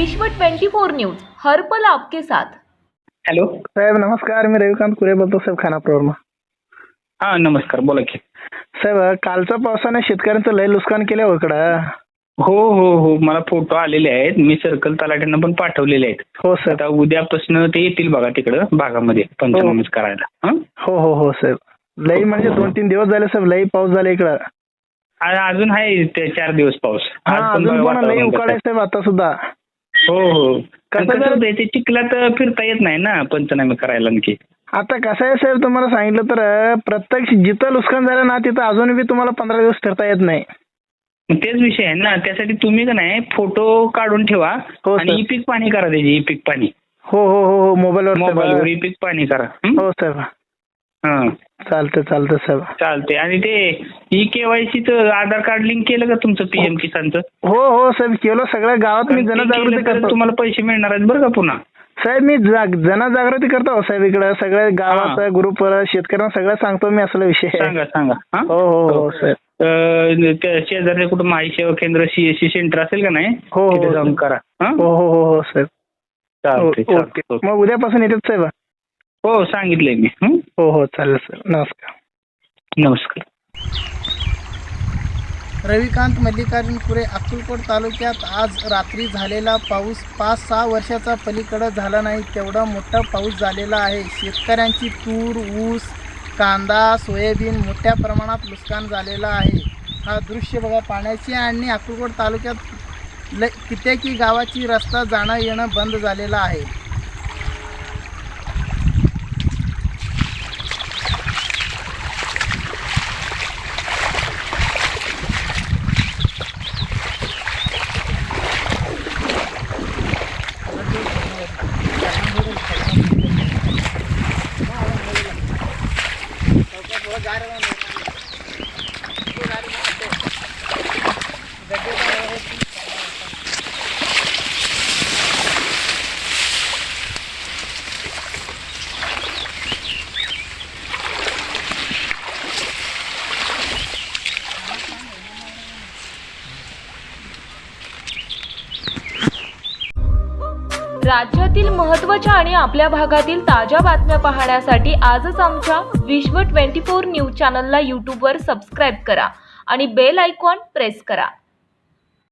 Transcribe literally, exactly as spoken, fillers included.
विश्व twenty four news हर पल आपके साथ। हॅलो साहेब नमस्कार, मी रविकांत कुरे बोलतो साहेब खानापूरवरून. हा नमस्कार, बोला की साहेब, कालच्या पावसाने शेतकऱ्यांचं लय नुकसान केलं हो इकडं. हो हो हो मला फोटो आलेले आहेत, मी सर्कल तलाट्यांना पण पाठवलेले आहेत. हो सर. आता उद्यापासून ते येतील बघा तिकडं भागामध्ये पंचनामे करायला. हं? हो हो हो साहेब, लई म्हणजे दोन तीन दिवस झाले साहेब, लई पाऊस झाला इकडं. आ- अजून आहे ते चार दिवस पाऊस. हा, आज पण अजून बघा पण लई वातावरण कसं उकाळ आहे आहे. साहेब आता सुद्धा. हो हो कसं कसं झालं? होतंय, ते चिखलात फिरता येत नाही ना पंचनामे करायला आणखी. आता कसं आहे साहेब, तुम्हाला सांगितलं तर प्रत्यक्ष जिथं नुकसान झालं ना तिथं अजून बी तुम्हाला पंधरा दिवस फिरता येत नाही. मग तेच विषय आहे ना, त्यासाठी तुम्ही का नाही फोटो काढून ठेवा हो, आणि सर. ई पीक पाणी करा, त्याची ई पीक पाणी हो हो हो हो मोबाईलवर मोबाईलवर साहेब. ई पीक पाणी करा. हं? हो साहेब, हं. चालतं चालतं साहेब. चालते. आणि ते ई केवायसीचं आधार कार्ड लिंक केलं का तुमचं पीएम किसानचं? हो हो साहेब, केलं सगळ्या गावात. मी ते जनजागृती केलं तर करतो तुम्हाला पैसे मिळणार आहेत बरं का पुन्हा. साहेब. मी जाग- जनजागृती करतो साहेब इकडं सगळ्या गावात हा. ग्रुपवर शेतकऱ्यांना सगळं सांगतो मी असला विषय आहे. सांगा सांगा. हा? हो हो हो साहेब. अं, त्या शेजारच्या कुठं माई सेवा केंद्र सीएससी सेंटर असेल का नाही, हो, हो, तिथे जाऊन हो. करा. हा? हो हो हो हो साहेब. चालतंय, ओ- चालतंय. ओके, मग उद्यापासून येतात साहेब. हो सांगितलंय मी. हं? हो हो चालेल सर. नमस्कार. नमस्कार. रविकांत मल्लिकार्जुन कुरे, अक्कलकोट तालुक्यात आज रात्री झालेला पाऊस पाच सहा वर्षाचा पलीकडं झाला नाही तेवढा मोठा पाऊस झालेला आहे. शेतकऱ्यांची तूर, ऊस, कांदा, सोयाबीन मोठ्या प्रमाणात नुकसान झालेलं आहे. हा दृश्य बघा पाण्याची आणि अक्कलकोट तालुक्यात ल कित्येकी गावाची रस्ता जाणं येणं बंद झालेलं आहे. राज्यातील महत्त्वाच्या आणि आपल्या भागातील ताज्या बातम्या पाहण्यासाठी आजच आमच्या विश्व ट्वेंटी फोर न्यूज चॅनलला यूट्यूबवर सबस्क्राईब करा आणि बेल आयकॉन प्रेस करा.